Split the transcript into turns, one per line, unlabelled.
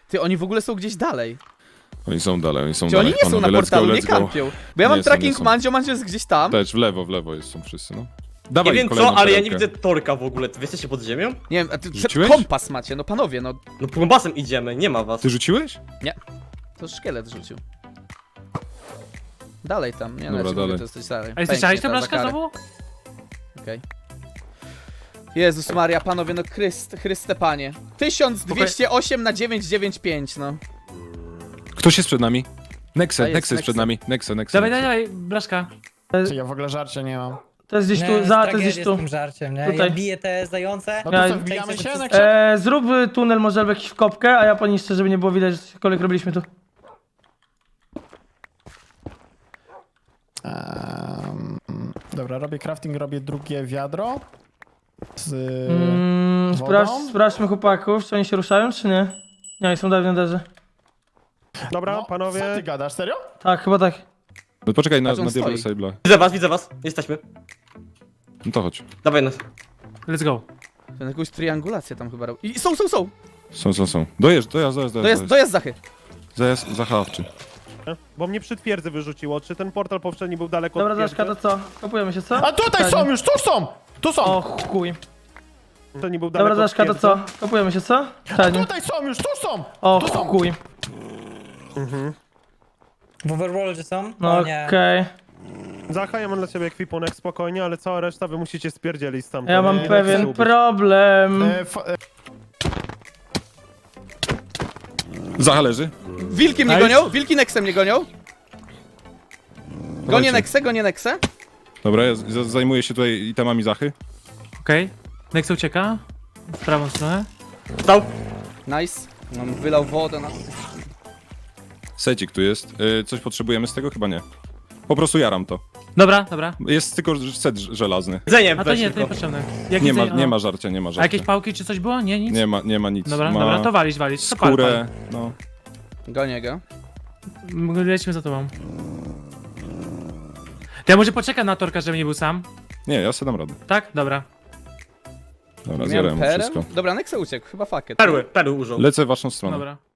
Ty, oni w ogóle są gdzieś dalej.
Oni są dalej, oni są
Czy oni
dalej.
nie są na
Panowie,
portalu,
let's
nie
go.
kampią? Bo ja mam
Nie są,
tracking
nie są.
Mandzio jest gdzieś tam.
Też w lewo są wszyscy, no.
Nie
Dawaj
wiem
kolejną
co, ale ja nie
perełkę.
widzę Torka w ogóle. Wy jesteście pod ziemią?
Nie wiem, a ty
Rzuciłeś?
kompas macie, no panowie, no.
No kombasem idziemy, nie ma was.
Ty rzuciłeś?
To szkielet rzucił. Dalej tam, nie no,
Dobra,
ja ci mówię,
dalej.
to jesteś dalej.
A jesteś
Pęknie
tę
ta
blaszkę
za karę.
znowu?
Okej. Jezus Maria, panowie, no Chryste Panie. 1208 na 995, no.
Ktoś jest przed nami.
A
Nexe
jest,
jest przed
Nexe.
nami. Nexe.
Dawaj, dawaj, blaszka.
Czy ja w ogóle żarcia nie mam.
To jest gdzieś tu, to jest gdzieś tu.
z tym żarciem, nie?
Tutaj.
Ja biję te zające.
No to
Ja-
co, wbijamy się na
Zrób tunel może albo jakiś w kopkę, a ja poniszczę, żeby nie było widać, że cokolwiek robiliśmy tu.
Dobra, robię crafting, robię drugie wiadro. Z wodą?
Sprawdźmy chłopaków, czy oni się ruszają, czy nie? Nie, oni są dalej w nederze.
Dobra,
No,
panowie.
co ty gadasz, serio?
Tak, chyba tak.
No poczekaj na
Patrz, on
Diablo
stoi.
Sable'a.
Widzę was, jesteśmy.
No to chodź.
Dawaj nas.
Let's go.
Ten jakąś triangulację tam chyba robił. I są!
Są. Dojazd.
Dojazd Zachy.
Zajazd zachowawczy.
Bo mnie przy twierdzy wyrzuciło. Czy ten portal poprzedni był daleko
Dobra,
od
Daszka,
twierdzy?
to co? Kopujemy się, co?
A tutaj są już, tu są! Tu są!
O chuj.
Poprzedni był daleko
Dobra,
od
Daszka, to
twierdzy?
co? Kopujemy się, co?
A
Czarnie.
tutaj są już, tu są!
O
tu są.
chuj.
W Overworldzie są?
No
O nie.
okej.
Zacha, ja mam dla ciebie ekwipunek spokojnie, ale cała reszta wy musicie spierdzielić stamtąd.
Ja mam
Nie chcę
pewien
ubić.
problem.
Zacha leży.
Wilki mnie
Nice.
gonią, wilki Nexem mnie gonią. Gonię Nexę.
Dobra, ja zajmuję się tutaj itemami Zachy.
Okej. Nexa ucieka. W prawą stronę.
Stał.
Nice. Mam wylał wodę na...
Secik tu jest. Coś potrzebujemy z tego? Chyba nie. Po prostu jaram to.
Dobra.
Jest tylko set żelazny.
Jedzenie,
A to
weź
nie, to
tylko.
niepotrzebne.
Nie ma żarcia, nie ma
A
żarcia.
jakieś pałki czy coś było? Nie, nic?
Nie ma nic.
Dobra,
ma
dobra, to walić. To pal,
skórę, no.
Gonię go.
pal. Lecimy za tobą. To ja może poczekam na Torka, żeby nie był sam.
Nie, ja sobie dam radę.
Tak? Dobra.
Dobra,
Miałem
zjarałem
perem?
wszystko.
Dobra, Nexe uciekł, chyba fuck it.
Perły użył.
Lecę w waszą stronę.
Dobra.